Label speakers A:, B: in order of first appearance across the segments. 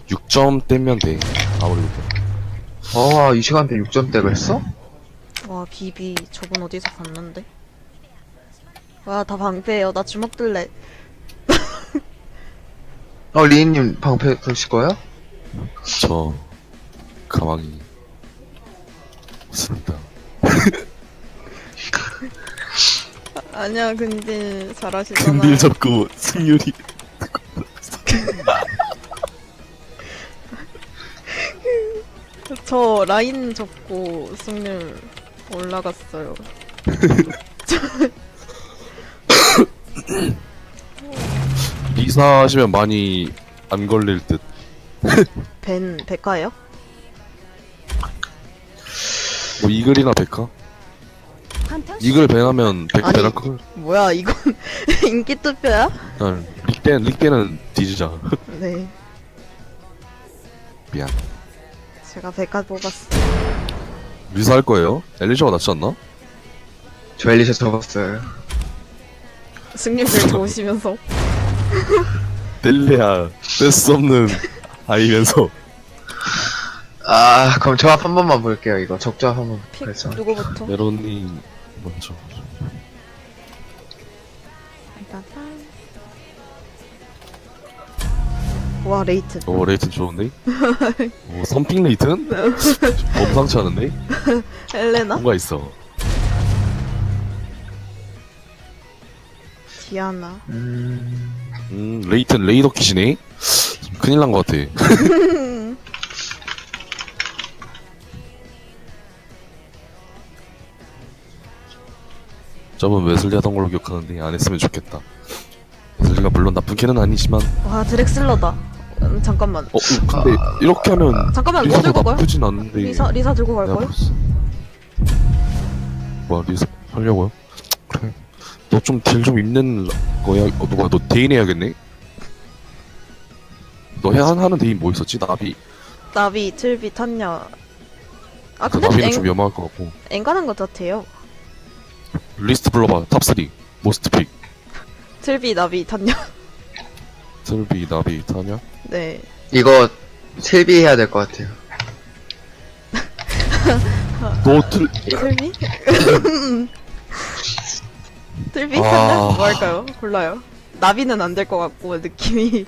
A: 6점대면 돼. 아무래도.
B: 이 시간대 6점대 했어?
C: 와 비비 저분 어디서 봤는데? 와 다 방패예요. 나 주먹 들래.
B: 리인님 방패 드실 거예요?
A: 저 가망이 없습니다.
C: 아니야 근데 잘하시잖아.
A: 근딜 잡고 승률이
C: 저 라인 접고 승률 올라갔어요.
A: 리사 하시면 많이 안 걸릴 듯.
C: 벤 백화예요?
A: 뭐 이글이나 백화? 이글 밴하면 백화
C: 아니.
A: 배날 걸.
C: 뭐야 이건 인기 투표야?
A: 릭대는 뒤지자.
C: 네
A: 미안.
C: 제가 백화 뽑았어.
A: 리사 할 거예요? 엘리샤가 낫지 않나?
B: 저 엘리샤 접었어요.
C: 승률 제일 좋으시면서.
A: 뗄래야 뺄 수 없는 아이면서.
B: 그럼 조합 한 번만 볼게요. 이거 적조합 한번.
C: 픽
B: 그래서
C: 누구부터?
A: 메론님 먼저.
C: 와 레이튼.
A: 오 레이튼 좋은데? 오 선픽 레이튼? 범상치 않은데?
C: 헬레나?
A: 뭔가 있어.
C: 디아나.
A: 레이튼 레이더 킷이네? 큰일 난 것 같아. 저번 웨슬리 하던 걸로 기억하는데 안 했으면 좋겠다. 웨슬리가 물론 나쁜 캐는 아니지만
C: 와 드렉슬러다. 잠깐만.
A: 근데 이렇게 하면
C: 잠깐만 뭐
A: 리사도
C: 들고 가요?
A: 나쁘진 않은데
C: 리사 들고 갈
A: 내가
C: 거예요?
A: 봤어. 뭐야 리사 하려고요? 그래. 너 좀 딜 좀 입는 거야? 누가 너 대인 해야겠네? 너 하는 대인 뭐 있었지? 나비.
C: 나비, 틀비, 탄냐. 아
A: 그
C: 근데
A: 나비는 좀 위험할 것 같고.
C: 앵간한 것 같아요.
A: 리스트 불러봐. 탑3 모스트 픽.
C: 틀비, 나비, 탄냐.
A: 슬비 나비 타냐?
C: 네.
B: 이거 실비 해야 될 것 같아요.
A: 너 틀.
C: 틀비? 틀비?
A: 아.
C: 탄냐? 뭐 할까요? 골라요. 나비는 안 될 것 같고 느낌이.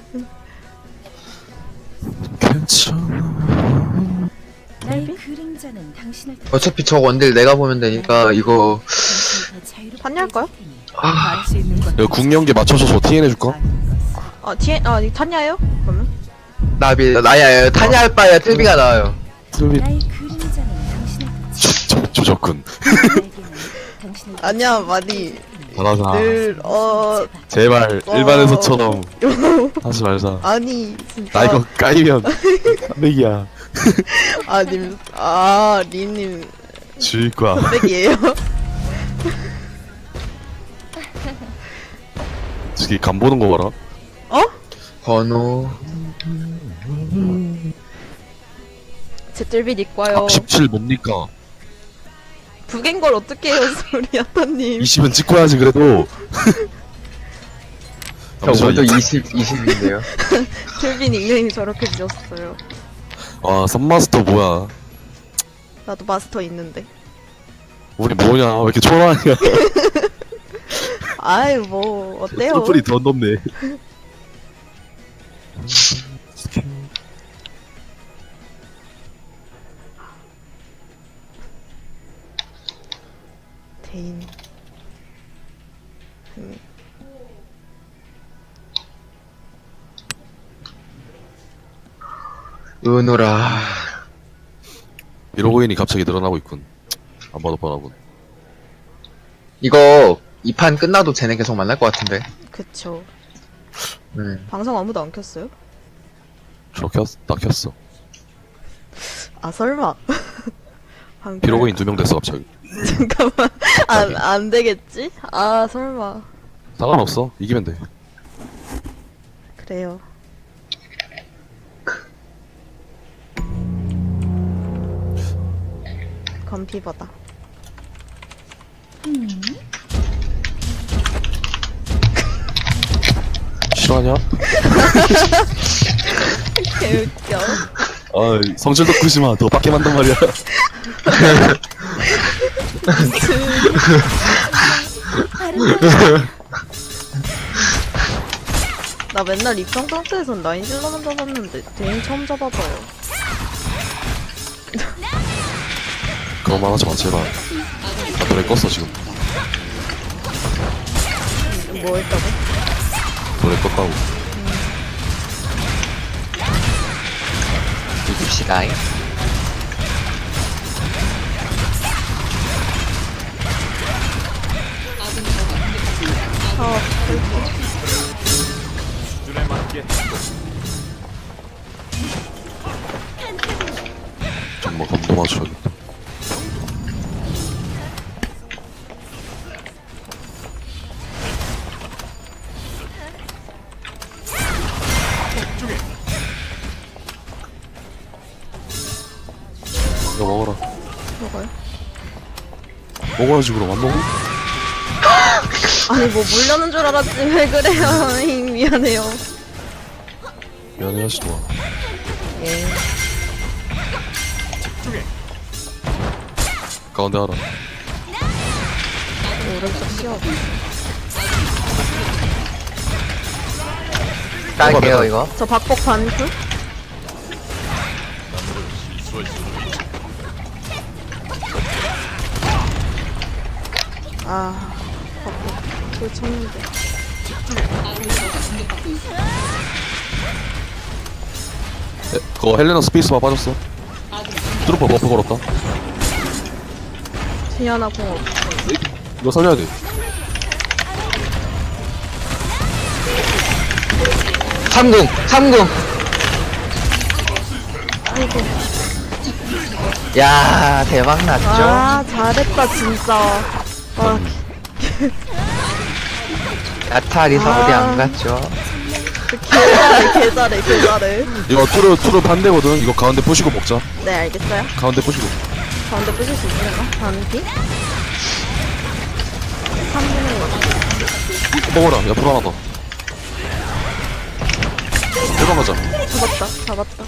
A: 괜찮아.
D: 나의 그림자는 당신을
B: 어차피 저 원딜 내가 보면 되니까 이거
C: 탄냐 할까요?
A: 이거 국영계 맞춰줘서 TN 해줄까?
C: 탄냐예요? 그러면?
B: 나비 나야 타냐 할 바야 틀비가 나와요.
A: 슬비
D: 나의 그림자는 당신을
A: 조적군.
C: 아니야 많이
A: 잘하자.
C: 늘
A: 제발 일반에서처럼 하지 말자.
C: 아니 진짜
A: 나 이거 까이면 깜백이야.
C: 리님
A: 죽일 거야.
C: 흑백이에요?
A: 저기 간 보는 거 봐라.
B: 번호
C: 제 뜰비 니꺼요.
A: 17 뭡니까?
C: 북인 걸 어떻게 해요, 소리 아빠님.
A: 20은 찍고 해야지 그래도.
B: 저번도 20인데요.
C: 뜰비 닉네임이 저렇게 지었어요.
A: 와 썸마스터 뭐야?
C: 나도 마스터 있는데.
A: 우리 뭐냐? 왜 이렇게 초라하냐?
C: 아유 뭐 어때요?
A: 솔플이 더 높네.
C: 대인.
B: 은호라.
A: 미로고인이 갑자기 늘어나고 있군. 안 봐도 뻔하군.
B: 이거 이 판 끝나도 쟤네 계속 만날 것 같은데.
C: 그쵸.
B: 네.
C: 방송 아무도 안 켰어요?
A: 나 켰어.
C: 아 설마. 방금-
A: 미로고인 2명 됐어 갑자기.
C: 잠깐만. 안 되겠지? 아 설마.
A: 상관없어. 이기면 돼.
C: 그래요. 건피버다.
A: 싫어하냐?
C: 개웃겨.
A: 아 성질 돋구지마 더 빡게 만단 말이야.
C: 나 맨날 입성 상태에선 라인질러만 잡았는데 대인 처음 잡아봐요.
A: 그런 말 하지 마 제발. 나 노래 껐어 지금.
C: 뭐 했다고?
A: 노래 껐다고.
B: 이깁시다.
C: 아, 그렇게.
A: 정말 감도 맞춰야겠다. 이거 먹어라.
C: 먹어요?
A: 먹어야지 그럼 안 먹어?
C: 아니 뭐 물려는 줄 알았지 왜 그래요? 미안해요.
A: 미안해 하지 마.
C: 예.
A: 가운데 하라.
C: 오른쪽 시어.
B: 딸게요 이거.
C: 저 박복 반풀? 아, 박복 풀 쳤는데.
A: 그거 헬레나 스페이스바 빠졌어. 트루퍼 버프 걸었다.
C: 디아나 공 없어.
A: 이거 살려야 돼.
B: 삼궁.
C: 아이고.
B: 야 대박 났죠?
C: 아, 잘했다 진짜. 아,
B: 야타 리사 어디
C: 아.
B: 안 갔죠?
C: 개잘해.
A: 이거 투르 반대거든. 이거 가운데 부시고 먹자.
C: 네, 알겠어요.
A: 가운데 부시고.
C: 가운데 부실 수 있으려나? 반피? 3분의
A: 먹어라. 옆으로 하나 더. 1번 가자.
C: 1. 잡았다.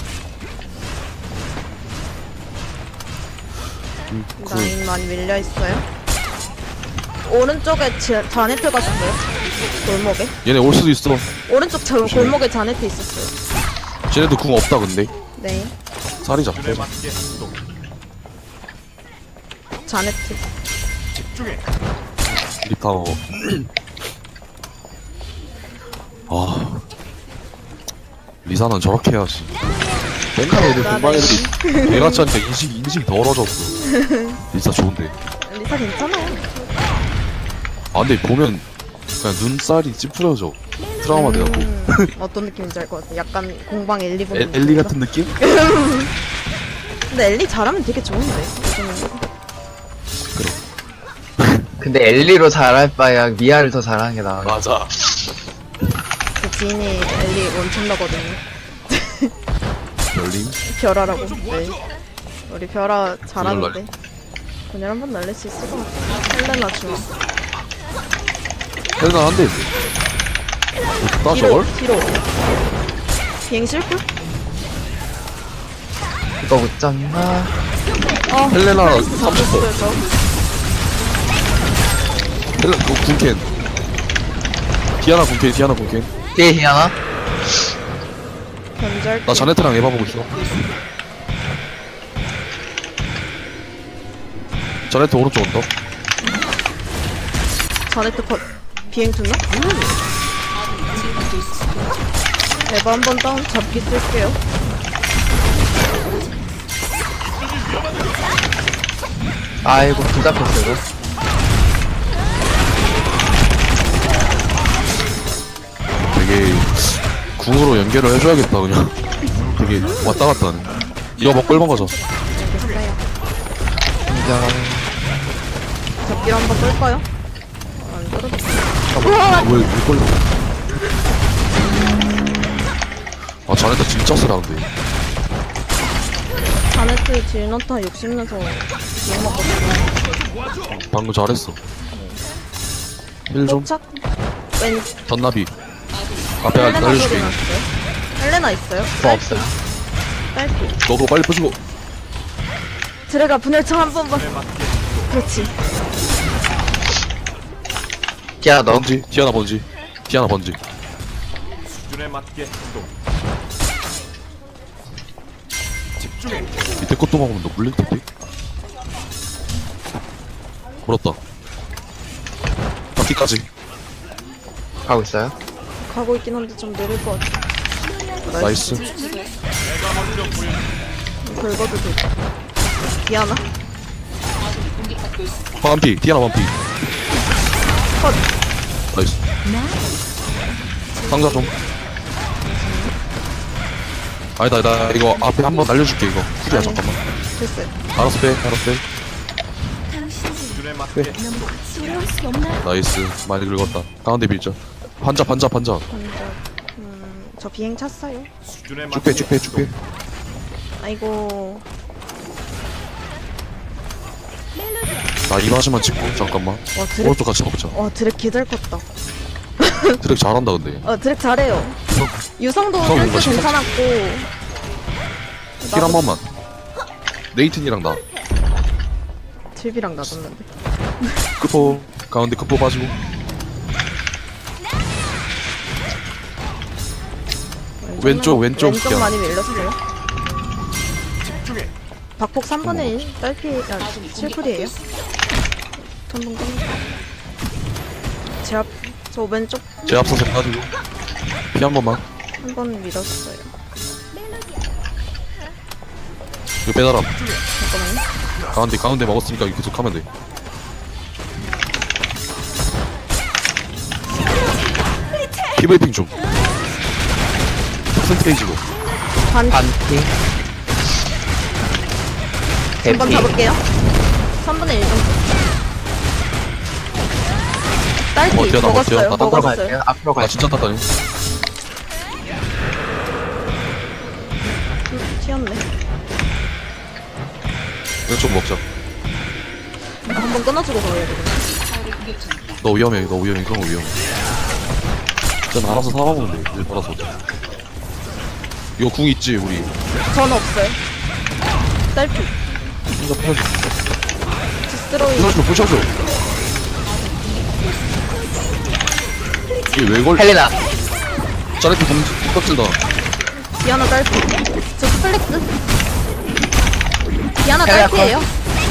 C: 라인 많이 밀려있어요. 오른쪽에 자네트 가셨어요? 골목에?
A: 얘네 올 수도 있어.
C: 오른쪽 골목에 자네트 있었어요.
A: 쟤네도 궁 없다 근데.
C: 네.
A: 살이 잡혀.
C: 자네트.
A: 리타워. 아. 리사는 저렇게 해야지. 맨날 애들 공방 애들이 개같이 하니까 인식이 더러워졌어. 리사 좋은데.
C: 리사 괜찮아요.
A: 아 근데 보면 그냥 눈살이 찌푸려져. 트라우마 돼갖고.
C: 어떤 느낌인지 알 것 같아. 약간 공방 엘리 보는
A: 엘리
C: 느낌이라.
A: 같은 느낌?
C: 근데 엘리 잘하면 되게 좋은데. 요즘은.
B: 근데 엘리로 잘할 바야 미아를 더 잘하는 게 나아.
A: 맞아.
C: 제 지인이 엘리 원천러거든요.
A: 별림?
C: 별아라고. 네. 우리 별아 잘하는데. 그냥 한번 날릴 수 있을 것 같아. 헬레나 주마.
A: 헬나 한대 있네. 나 저걸?
C: 뒤로. 비행 실풀?
B: 이거 못 잡나?
A: 헬레나
C: 플레이스
A: 30%.
C: 잡혔어요, 저.
A: 헬레 그거 궁캔. 디아나 궁캔.
B: 뒤에 희양아?
C: 견절.
A: 나 자네트랑 에바 보고 있어. 자네트 오른쪽 언덕.
C: 자네트 컷. 비행 투나? 에바 한번 다운 잡기 쓸게요.
B: 아이고 둘 잡혔어 이거.
A: 되게 궁으로 연결을 해줘야겠다 그냥. 되게 왔다 갔다 하네. 이거 먹고 1번 가자.
C: 알겠어요.
B: 인정.
C: 잡기로 한번 끌까요? 안 끌어도
A: 왜 걸려? 아 자네트 진짜 쓰라는데.
C: 자네트 딜너타 욕심내서 비행 먹거든요.
A: 방금 잘했어. 힐 좀.
C: 도착? 왼
A: 전나비. 앞에
C: 헬레나 소리
A: 날려줄게.
C: 났어요? 헬레나 있어요?
B: 뭐 없어요.
C: 딸피.
A: 너도 빨리 부시고.
C: 드래가 분열창 한 번만. 그렇지.
B: 야, 너.
A: 번지. 디아나 번지. 디아나 번지.
E: 수준에 맞게 행동. 집중해.
A: 밑에 것도 먹으면 너 물릴 텐데. 물었다. 바퀴까지.
B: 가고 있어요?
C: 가고 있긴 한데 좀 느릴 것 같아.
A: 나이스.
C: 긁어도 돼. 디아나?
A: 반피. 디아나 반피.
C: 컷.
A: 나이스. 상자 좀. 아니다, 나 이거 앞에 한번 날려줄게, 이거. 후리야, 잠깐만.
C: 됐어요.
A: 알았어, 빼, 알았어, 빼.
E: 수준에 맞게 행동.
D: 두려울 수 없나요?
A: 나이스. 많이 긁었다. 가운데 밀자. 반자.
C: 먼저, 저 비행 찼어요.
E: 수준에
A: 쭉 빼,
E: 맞게
A: 쭉 빼, 쭉 빼.
C: 아이고.
A: 나 이마시만 찍고, 잠깐만.
C: 와, 드랙.
A: 오른쪽 같이 가보자.
C: 와, 드랙 개잘 컸다.
A: 드랙 잘한다, 근데.
C: 드랙 잘해요. 유성도
A: 유성 뭔가
C: 센스 괜찮았고.
A: 힐 한 번만. 네이튼이랑 나.
C: 딜비랑 놔뒀는데.
A: 크포. 가운데 크포 빠지고. 왼쪽
C: 왼쪽
A: 기아.
C: 많이 밀려서 그래요.
E: 집중해.
C: 박폭 3분의 1. 딸피, 7풀이에요. 한번 끊 제 앞, 저 왼쪽
A: 제 앞서서 빠지고. 피 한 번만.
C: 한 번 밀었어요.
A: 이거 빼달아.
C: 잠깐만요.
A: 가운데 먹었으니까 이거 계속 하면 돼. 피브리핑 좀. 퍼센테이지로.
C: 반,
B: 반피.
C: 한번
B: 대피.
C: 잡을게요. 3분의 1 정도. 딸피,
A: 뭐 어때요? 나
C: 먹었어요.
A: 어때요? 나
B: 앞으로
C: 먹었어요.
B: 갈게요. 앞으로
A: 아
B: 갈게요.
A: 진짜 탔다니.
C: 튀었네.
A: 왼쪽 먹자.
C: 한번 끊어주고 가야 되겠네.
A: 너 위험해. 그런 거 위험해. 전 알아서 살아보면 돼. 일 받아서. 이거 궁 있지 우리.
C: 전 없어요. 딸피.
A: 혼자 부셔줘.
C: 디스트로이.
A: 부셔줘. 이게 왜 걸?
B: 헬리나.
A: 짜릿해 껍질다.
C: 디아나 딸피. 저 플렉스. 디아나
B: 야, 야,
C: 딸피예요.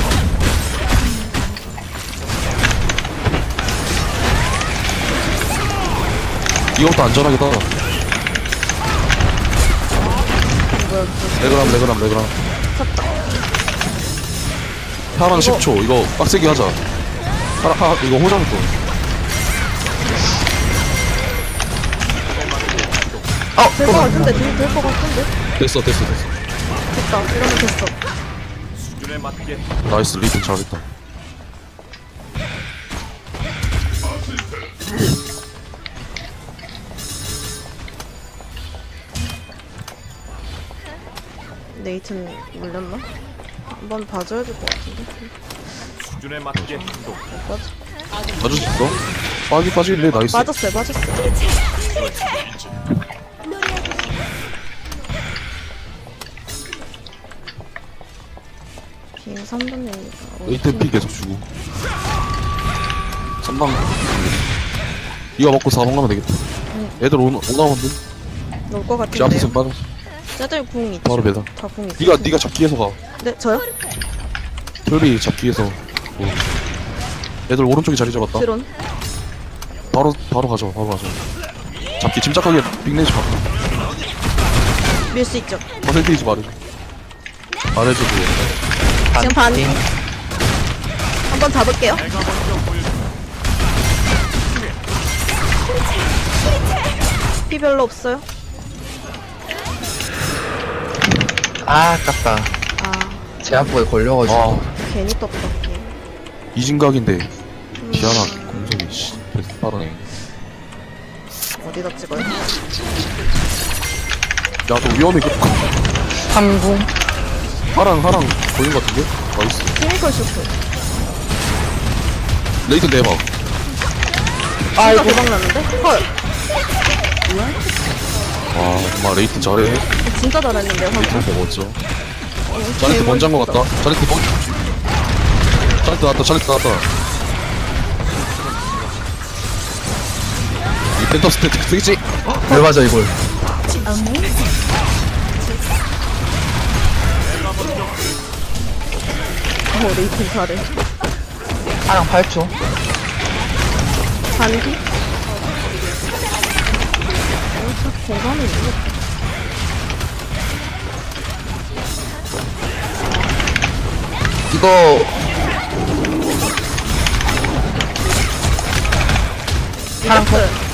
A: 이것도 안전하겠다. 레그람.
C: 쳤다.
A: 파랑 10초. 이거 빡세게 하자. 이거 호정도.
C: 될 것 같은데, 될 것 같은데.
A: 됐어.
C: 됐다. 이러면 됐어.
E: 수준에 맞게
A: 나이스 리튼 잘했다.
C: 네이튼 물렸나? 한번 봐줘야 될 것 같은데.
E: 수준에 맞게 행동.
C: 맞아.
A: 맞을 수 있어? 빠지길래 나이스.
C: 맞았어요. 비행 3분의 1.
A: 레이튼 피 계속 주고. 3방. 이거 먹고 4번 가면 되겠다. 애들 오나면 돼?
C: 올것
A: 제
C: 같은데요.
A: 앞에서 빠져.
C: 쟤들 궁 있죠?
A: 바로 배달.
C: 다궁 있어.
A: 네가 잡기에서 가.
C: 네, 저요?
A: 털비 잡기에서. 애들 오른쪽에 자리 잡았다.
C: 드론.
A: 바로 가져. 잡기 침착하게 빅내지 마.
C: 밀 수 있죠.
A: 퍼센테이지 말해줘. 말해줘 그거.
C: 지금 반. 한번 잡을게요. 피 별로 없어요.
B: 아, 아깝다.
C: 아,
B: 제 앞에 걸려가지고.
A: 아
C: 괜히 떴다.
A: 이진각인데 디아나 공성이 씨 빠르네.
C: 어디다 찍어요?
A: 야너 위험해.
B: 항공.
A: 하랑 보인 것 같은데? 나이스.
C: 케미컬 쇼트.
A: 레이튼 대박.
C: 아이고. 대박 났는데? 헐.
A: 와 정말 레이튼 잘해.
C: 진짜 잘했는데요, 방금.
A: 레이튼 먹었죠. 자네트 먼저 한 것 같다. 자네트 나왔다. 자네트 나왔다. 이 펜터 스태트 쓰겠지?
B: 왜 맞아 이걸?
C: 레이팅 잘해.
B: 사랑 8초.
C: 반기? 공간이 있네.
B: 이거
C: 사랑